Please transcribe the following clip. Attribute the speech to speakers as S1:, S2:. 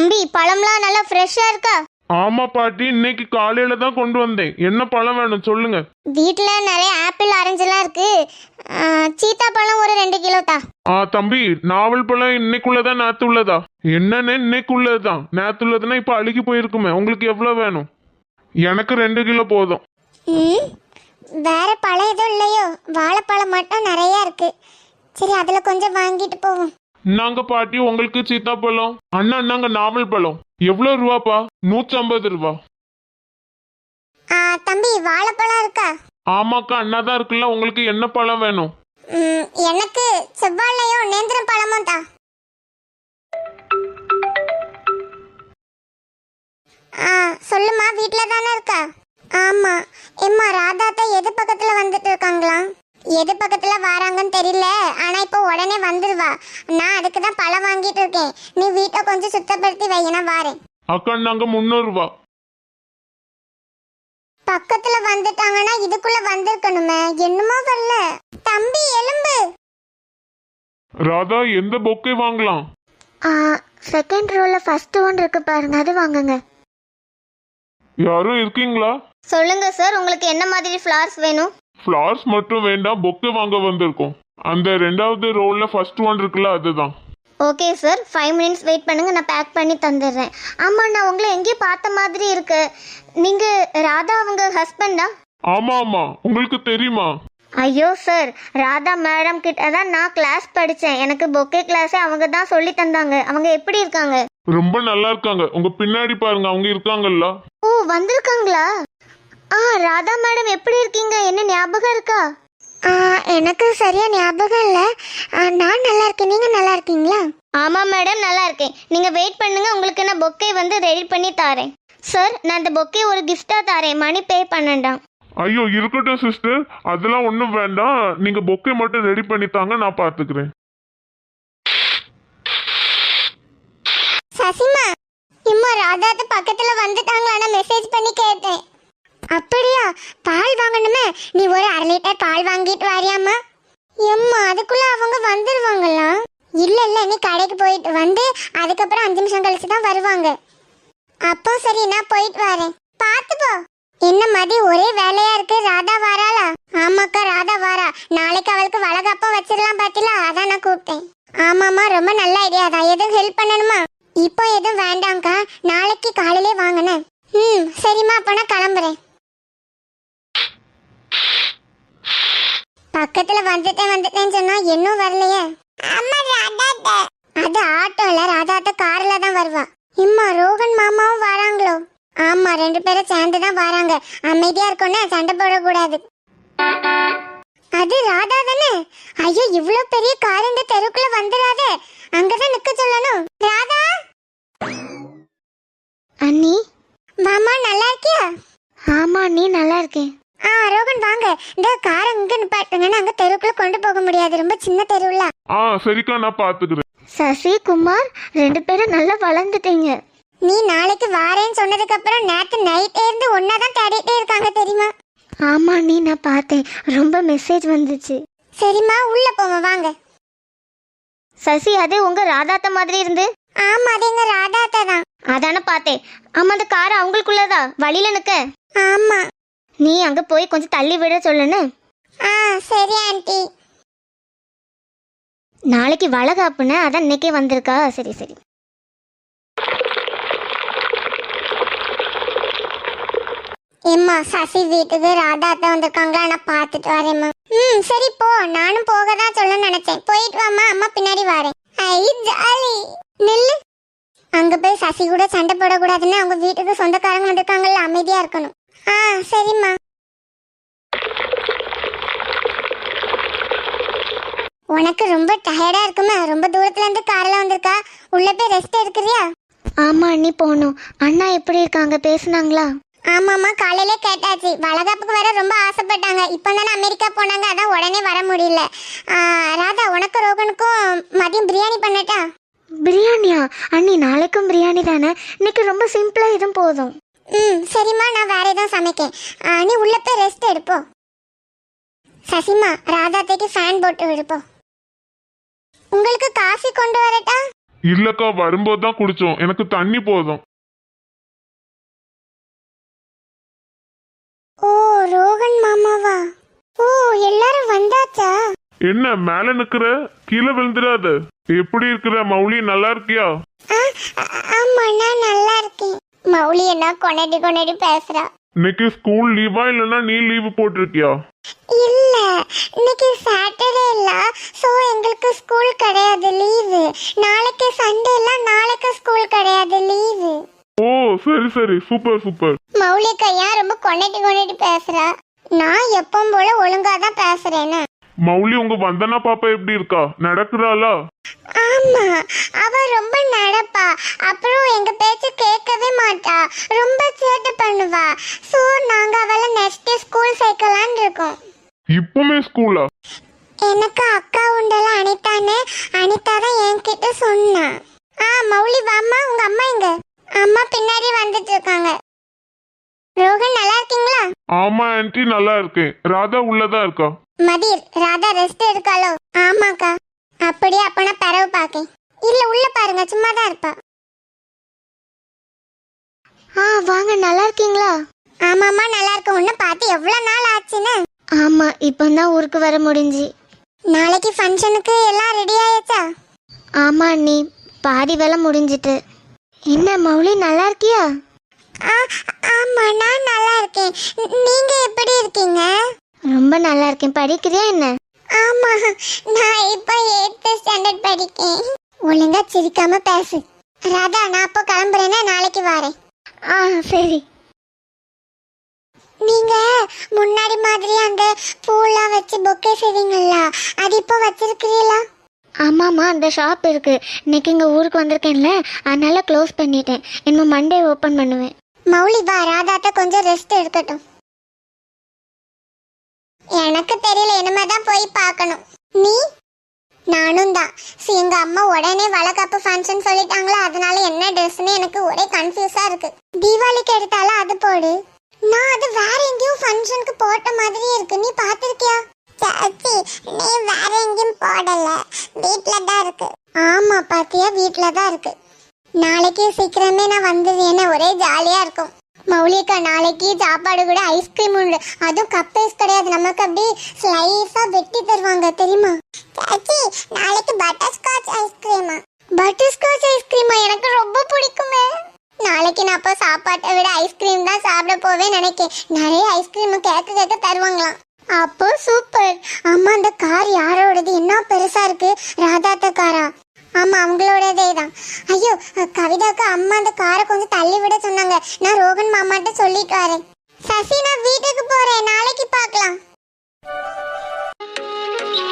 S1: தம்பி, பழம்லாம் நல்லா ஃப்ரெஷ்ஷா இருக்கா?
S2: ஆமா பாட்டி, இன்னைக்கு காலையில தான் கொண்டு வந்தேன். என்ன பழம் வேணும் சொல்லுங்க.
S1: வீட்ல நிறைய ஆப்பிள் ஆரஞ்செல்லாம் இருக்கு. சீத்தா பழம் ஒரு 2 கிலோ தா.
S2: தம்பி, நாவல் பழம் இன்னைக்குள்ளதா நேத்து உள்ளதா? என்னன்னு இன்னைக்குள்ளதுதான். நேத்து உள்ளதுன்னா இப்ப அழுகி போயிருக்குமே. உங்களுக்கு எவ்வளவு வேணும்? எனக்கு 2 கிலோ போதும்.
S1: வேற பழம் எதுவும் இல்லையோ? வாழைப்பழம் மட்டும் நிறைய இருக்கு. சரி, அதுல கொஞ்சம் வாங்கிட்டு போவோம்.
S2: நாங்க பாட்டி உங்களுக்கு சீத்தாப்பழம். அண்ணா நாங்க நாவல் பழம். எவ்வளவு ரூபாப்பா? 150 ரூபா.
S1: தம்பி, வாழைப்பழம் இருக்கா?
S2: ஆமாக்கா, அண்ணா தான் இருக்குல்ல. உங்களுக்கு என்ன பழம் வேணும்?
S1: எனக்கு செவ்வாழையும் நேந்திரம் பழமும் தா. சொல்லுமா, வீட்ல தானே இருக்கா? ஆமா. எம்மா, ராதாத்தா எது பக்கத்துல வந்துட்டு இருக்காங்களா? எது பக்கத்துல வராங்கன்னு தெரியல. ஆனா இப்போ உடனே வந்துருவா. நான் அதுக்கு தான் பழம் வாங்கிட்டு இருக்கேன். நீ வீட்டை கொஞ்சம் சுத்தப்படுத்தி வை, நான் வாரேன்.
S2: அக்கா, நாங்க 300 ரூபா.
S1: பக்கத்துல வந்துட்டாங்கன்னா இதுக்குள்ள வந்திருக்கணுமே. என்னமோ வரல. தம்பி, எலும்பு.
S2: ராதா, எந்த பொக்கே வாங்கலாம்?
S1: செகண்ட் ரோல ஃபர்ஸ்ட் ஒன் இருக்கு பாருங்க, அது வாங்குங்க.
S2: யாரும் இருக்கீங்களா?
S1: சொல்லுங்க சார், உங்களுக்கு என்ன மாதிரி ஃப்ளவர்ஸ் வேணும்?
S2: ஃப்ளவர்ஸ் மட்டும் வேண்டாம், பொக்கே வாங்க வந்திருக்கோம். அந்த 2வது ரோல்ல ஃபர்ஸ்ட் ஒன் இருக்குல்ல, அதுதான்.
S1: ஓகே சார், 5 மினிட்ஸ் வெயிட் பண்ணுங்க, நான் பேக் பண்ணி தந்துடுறேன். ஆமா, நான் உங்களை எங்கேயும் பார்த்த மாதிரி இருக்கு. நீங்க ராதா அவங்க ஹஸ்பண்டா?
S2: ஆமா ஆமா, உங்களுக்கு தெரியுமா?
S1: ஐயோ சார், ராதா மேடம் கிட்ட தான் நான் கிளாஸ் படித்தேன். எனக்கு பொக்கே கிளாஸே அவங்க தான் சொல்லி தந்தாங்க. அவங்க எப்படி இருக்காங்க?
S2: ரொம்ப நல்லா இருக்காங்க. உங்க பின்னாடி பாருங்க, அவங்க இருக்காங்கல்ல.
S1: ஓ, வந்திருக்காங்களா? ராதா மேடம் எப்படி இருக்கீங்க? என்ன ஞாபகம் இருக்கா? எனக்கு சரியா ஞாபகம் இல்லை. நான் நல்லா இருக்கேன். நீங்க நல்லா இருக்கீங்களா? ஆமா மேடம், நல்லா இருக்கேன். நீங்க வெயிட் பண்ணுங்க, உங்களுக்கு நான் பொக்கே வந்து ரெடி பண்ணி தாரேன். சார், நான் இந்த பொக்கே ஒரு கிஃப்டா தாரேன். மணி பே பண்ணண்டாம்.
S2: ஐயோ, இருக்கட்டும் சிஸ்டர், அதெல்லாம் ஒன்றும் வேண்டாம். நீங்க பொக்கே மட்டும் ரெடி பண்ணித்தாங்க, நான் பாத்துக்கிறேன்.
S1: சசிமா, இம்மா ராதாத்த பக்கத்துல வந்துட்டாங்களான்னு மெசேஜ் பண்ணி கேட்டேன். அப்படியா? பால் வாங்கணுமே. நீ ஒரு 1/2 லிட்டர் பால் வாங்கிட்டு வாரியாம்மா? எம்மா, அதுக்குள்ள அவங்க வந்துருவாங்களா? இல்ல இல்ல, நீ கடைக்கு போயிட்டு வந்து அதுக்கப்புறம் 5 நிமிஷம் கழிச்சு தான் வருவாங்க. அப்போ சரி, நான் போயிட்டு வரேன். பார்த்து போ. என்ன மதி, ஒரே வேலையா இருக்கு. ராதா வாராளா? ஆமாக்கா, ராதா வாரா. நாளைக்கு அவளுக்கு வளகாப்பம் வச்சிடலாம் பாத்தீங்களா? அதான் நான் கூப்பிட்டேன். ஆமாம்மா, ரொம்ப நல்ல ஐடியா தான். எதுவும் ஹெல்ப் பண்ணணுமா? இப்போ எதுவும் வேண்டாம்க்கா, நாளைக்கு காலையிலே வாங்கினேன். சரிம்மா, அப்போ நான் கிளம்புறேன். பக்கத்துல வந்துட்டேன்னு சொன்னா இன்னும் வரலையே. அது ஆட்டோல, ராதாத்த கார்ல தான் வருவா. இம்மா, ரோகன் மாமாவும் வராங்களோ? ஆமா, 2 பேரும் சேர்ந்து தான் வராங்க. அமைதியா இருக்கணும், சண்டை போடக்கூடாது. அது ராதா தானே? ஐயோ, இவ்வளவு பெரிய கார் இந்த தெருக்குள்ள வந்துடாதே. அங்கதான் நிக்க சொல்லணும். ராதா அண்ணி. மாமா, நல்லா இருக்கியா? ஆமா அண்ணி, நல்லா இருக்கேன். ரோகன் வாங்க, இந்த காரை இங்க நிப்பாட்டுங்கன்னா அங்க தெருக்குள்ள கொண்டு போக முடியாது, ரொம்ப சின்ன தெருவுல.
S2: சரிக்கா, நான் பாத்துக்கிறேன்.
S1: சசி, குமார் 2 பேரும் நல்லா வளர்ந்துட்டீங்க. நீ நாளைக்கு வாரேன்னு சொன்னதுக்கு அப்புறம் நேத்து நைட்டே இருந்து ஒன்னாதான் தேடிட்டே இருக்காங்க தெரியுமா? ஆமா நீ, நான் பார்த்தேன், ரொம்ப மெசேஜ் வந்துச்சு. சரிம்மா, உள்ள போவோம் வாங்க. சசி, அது உங்க ராதாத்த மாதிரி இருந்து. ஆமா, அது எங்க ராதாத்தா தான். அதானே பார்த்தேன். ஆமா, அந்த கார் அவங்களுக்குள்ளதா வழியில நிக்க. ஆமா, நீ அங்க போய் கொஞ்சம் தள்ளி விட சொல்லுன்னு. சரி ஆண்டி. நாளைக்கு வளகாப்புன்னு, அதான் இன்னைக்கே வந்திருக்கா. சரி சரி. எம்மா, சசி வீட்டுக்கு ராதாத்தா வந்திருக்காங்களா? நான் பார்த்துட்டு வரேம்மா. சரி போ, நானும் போக தான் சொல்ல நினைச்சேன். போயிட்டு வாமா, அம்மா பின்னாடி வரேன். ஐ ஜாலி. நில்லு. அங்க போய் சசி கூட சண்டை போடக்கூடாதுன்னு அவங்க வீட்டுக்கு சொந்தக்காரங்க வந்திருக்காங்கல்ல, அமைதியா இருக்கணும். சரிம்மா. உனக்கு ரொம்ப டயர்டா இருக்குமா? ரொம்ப தூரத்துல இருந்து கார்ல வந்திருக்கா. உள்ள போய் ரெஸ்ட் எடுக்கிறியா? ஆமா அண்ணி, போகணும். அண்ணா எப்படி இருக்காங்க? பேசுனாங்களா? ஆமாம்மா, காலையிலே கேட்டாச்சு. வளகாப்புக்கு வர ரொம்ப ஆசைப்பட்டாங்க. இப்போ தானே அமெரிக்கா போனாங்க, அதான் உடனே வர முடியல. ராதா, உனக்கு ரோகனுக்கும் மதியம் பிரியாணி பண்ணட்டா? பிரியாணியா? அண்ணி, நாளைக்கும் பிரியாணி தானே. இன்னைக்கு ரொம்ப சிம்பிளா இதுவும் போதும். சரிம்மா, நான் வேற எதுவும் சமைக்கேன். நீ உள்ள போய் ரெஸ்ட் எடுப்போம். சசிமா, ராதாத்தைக்கு ஃபேன் போட்டு விடுப்போம். உங்களுக்கு காஃபி கொண்டு வரட்டா?
S2: இல்லக்கா வரும்போது தான் குடிச்சோம், எனக்கு தண்ணி போதும்.
S1: ஓ ரோகன் மாமாவா? ஓ எல்லாரும் வந்தாச்சா?
S2: என்ன மேல நிக்கிற, கீழே விழுந்துடாத. எப்படி இருக்கிற மௌலி, நல்லா இருக்கியா?
S1: ஆமா நான் நல்லா இருக்கேன். மௌலி என்ன கொனடி கொனடி பேசுறா.
S2: இன்னைக்கு ஸ்கூல் லீவா இல்லைன்னா நீ லீவு போட்டிருக்கியா?
S1: இல்ல இன்னைக்கு சாட்டர்டே இல்ல, சோ எங்களுக்கு ஸ்கூல் கிடையாது, லீவு. நாளைக்கு சண்டே இல்ல, நாளைக்கு ஸ்கூல் கிடையாது, லீவு.
S2: ஓ சரி சரி, சூப்பர் சூப்பர்.
S1: மௌலி கையா ரொம்ப கொனடி கொனடி பேசுறா. நான் எப்பவும் போல ஒழுங்கா தான் பேசுறேன்னு.
S2: மௌலி, உங்க வந்தனா பாப்பா எப்படி இருக்கா, நடக்குறாளா?
S1: ஆமா அவ ரொம்ப நடப்பா, அப்புறம் எங்க பேச்சு கேட்கவே மாட்டா, ரொம்ப சேட்டை பண்ணுவா. சோ நாங்க அவளை நெக்ஸ்ட் ஸ்கூல் சேர்க்கலாம்னு இருக்கோம்.
S2: இப்பவுமே ஸ்கூலா?
S1: எனக்கு அக்கா உண்டல அனிதான்னு, அனிதா தான் என்கிட்ட சொன்னா. மௌலி வாம்மா, உங்க அம்மா எங்க? அம்மா பின்னாடி வந்துட்டு இருக்காங்க. ரோகன் நல்லா இருக்கீங்களா?
S2: ஆமா ஆன்ட்டி, நல்லா இருக்கேன். ராதா உள்ளதான் இருக்கா.
S1: மதிர் ராதா ரெஸ்ட் எடுக்காளோ? ஆமாக்கா. அப்படியே அப்பனா பரவு பாக்கேன். இல்ல உள்ள பாருங்க, சும்மா தான் இருப்பா. வாங்க, நல்லா இருக்கீங்களா? ஆமாம்மா நல்லா இருக்கு. உன்னை பார்த்து எவ்வளவு நாள் ஆச்சுன்னு. ஆமா இப்பதான் ஊருக்கு வர முடிஞ்சு. நாளைக்கு ஃபங்க்ஷனுக்கு எல்லாம் ரெடி ஆயாச்சா? ஆமா அண்ணி, பாதி வேலை முடிஞ்சிட்டு. என்ன மௌலி நல்லா இருக்கியா? ஆமா நான் நல்லா இருக்கேன். நீங்க எப்படி இருக்கீங்க? ரொம்ப நல்லா இருக்கேன். படிக்கிறியா என்ன? ஆமா நான் இப்ப 8th ஸ்டாண்டர்ட் படிக்கேன். ஒழுங்கா சிரிக்காம பேசு. ராதா நான் அப்போ கிளம்புறேன்னா நாளைக்கு வரேன். சரி. நீங்க முன்னாடி மாதிரி அந்த பூலாம் வச்சு பொக்கே செய்வீங்கல்ல, அது இப்போ வச்சிருக்கிறீங்களா? ஆமாம்மா, அந்த ஷாப் இருக்கு. இன்னைக்கு இங்கே ஊருக்கு வந்திருக்கேன்ல, அதனால க்ளோஸ் பண்ணிட்டேன். இன்னும் மண்டே ஓப்பன் பண்ணுவேன். மௌலி வா, ராதாட்ட கொஞ்சம் ரெஸ்ட் எடுக்கட்டும். எனக்கு தெரியல, இனிமே தான் போய் பார்க்கணும். நீ? நானும் தான். எங்க அம்மா உடனே வளகாப்பு ஃபங்க்ஷன் சொல்லிட்டாங்களா, அதனால என்ன ட்ரெஸ்ன்னு எனக்கு ஒரே கன்ஃபியூஸா இருக்கு. தீபாவளிக்கு எடுத்தாலும் அது போடு. நான் அது வேற எங்கேயும் ஃபங்க்ஷனுக்கு போட்ட மாதிரியே இருக்கு. நீ பார்த்திருக்கியா? சாச்சி நீ வேற எங்கேயும் போடல, வீட்ல தான் இருக்கு. ஆமா பாத்தியா, வீட்ல தான் இருக்கு. நாளைக்கு சீக்கிரமே நான் வந்துடுறேன், ஒரே ஜாலியா இருக்கும். மௌலிகா நாளைக்கு சாப்பாடு கூட ஐஸ்கிரீம் உண்டு. அதுவும் கப் ஐஸ் கிடையாது, நமக்கு அப்படி ஸ்லைஸா வெட்டி தருவாங்க தெரியுமா? சாச்சி நாளைக்கு பட்டர்ஸ்காட்ச் ஐஸ்கிரீமா? பட்டர்ஸ்காட்ச் ஐஸ்கிரீமா? எனக்கு ரொம்ப பிடிக்குமே. நாளைக்கு நான் அப்போ சாப்பாட்டை விட ஐஸ்கிரீம் தான் சாப்பிட போவேன் நினைக்கிறேன். நிறைய ஐஸ்கிரீம் கேட்க தருவாங்களாம். அப்போ சூப்பர். அம்மா அந்த கார் யாரோடது? என்ன பெருசா இருக்கு? ராதாத்த காரா? ஆமா அவங்களோடதே தான். ஐயோ கவிதாக்கு அம்மா அந்த காரை கொஞ்சம் தள்ளி விட சொன்னாங்க. நான் ரோகன் மாமாட்ட சொல்லிட்டு வரேன். சசி நான் வீட்டுக்கு போறேன், நாளைக்கு பார்க்கலாம்.